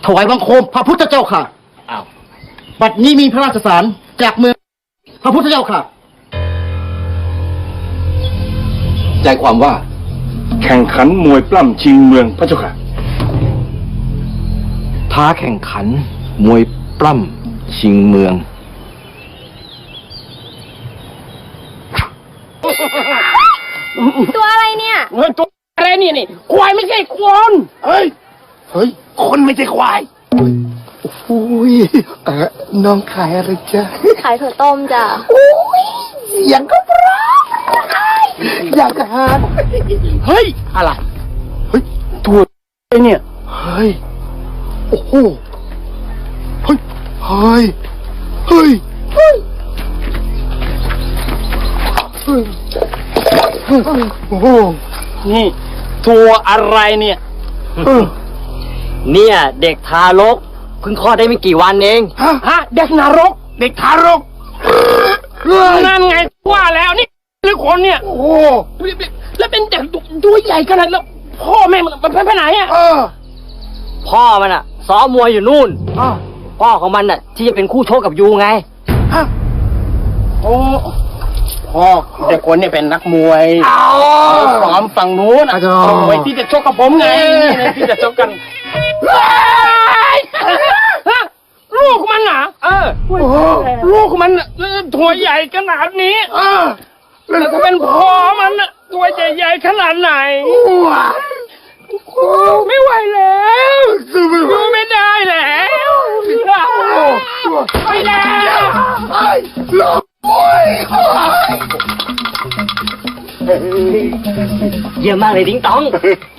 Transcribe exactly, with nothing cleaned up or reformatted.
ถวายบังคมพระพุทธเจ้าค่ะอ้าวบัดนี้มีพระราชสารจากเมืองพระพุทธเจ้าค่ะใจความว่าแข่งขันมวยปล้ำชิงเมืองพระเจ้าค่ะท้าแข่งขันมวยปล้ำชิงเมืองตัวอะไรเนี่ยเฮ้ยตัวอะไรนี่นี่ควายไม่ใช่คนเฮ้ยเฮ้ยคนไม่ใช่ควายโอ้ยเออน้องขายอะไรจ๊ะขายถั่วต้มจ้ะโอ้ยเสียงก็เพราะอยากทานเฮ้ยอะไรเฮ้ยถั่วไอ้เนี่ยเฮ้ยโอ้โหเฮ้ยเฮ้ยเฮ้ยเฮ้ยเฮ้ยโอ้โหนี่ถั่วอะไรเนี่ยเนี่ยเด็กทารกเพิ่งคลอดได้ไม่กี่วันเองฮะฮะเด็กนรกเด็กทารกนั่นไงว่าแล้วนี่หรือคนเนี่ยโอ้แล้วเป็นเด็กตัวใหญ่ขนาดแล้วพ่อแม่มันไปไหนอ่ะพ่อมันอ่ะซ้อมมวยอยู่นู่นพ่อของมันอ่ะที่จะเป็นคู่ชกกับยูไงฮะโอ้พ่อเด็กคนนี้เป็นนักมวยซ้อมฝั่งนู้นมวยที่จะชกกับผมไงที่จะชกกันลูกมันอ่ะเออลูกมันตัวใหญ่ขนาดนี้แล้วถ้าเป็นพ่อมันตัวใหญ่ๆขนาดไหนไม่ไหวแล้วดูไม่ได้แล้วไปแล้วเยี่ยมมากเลยดิ้งตอง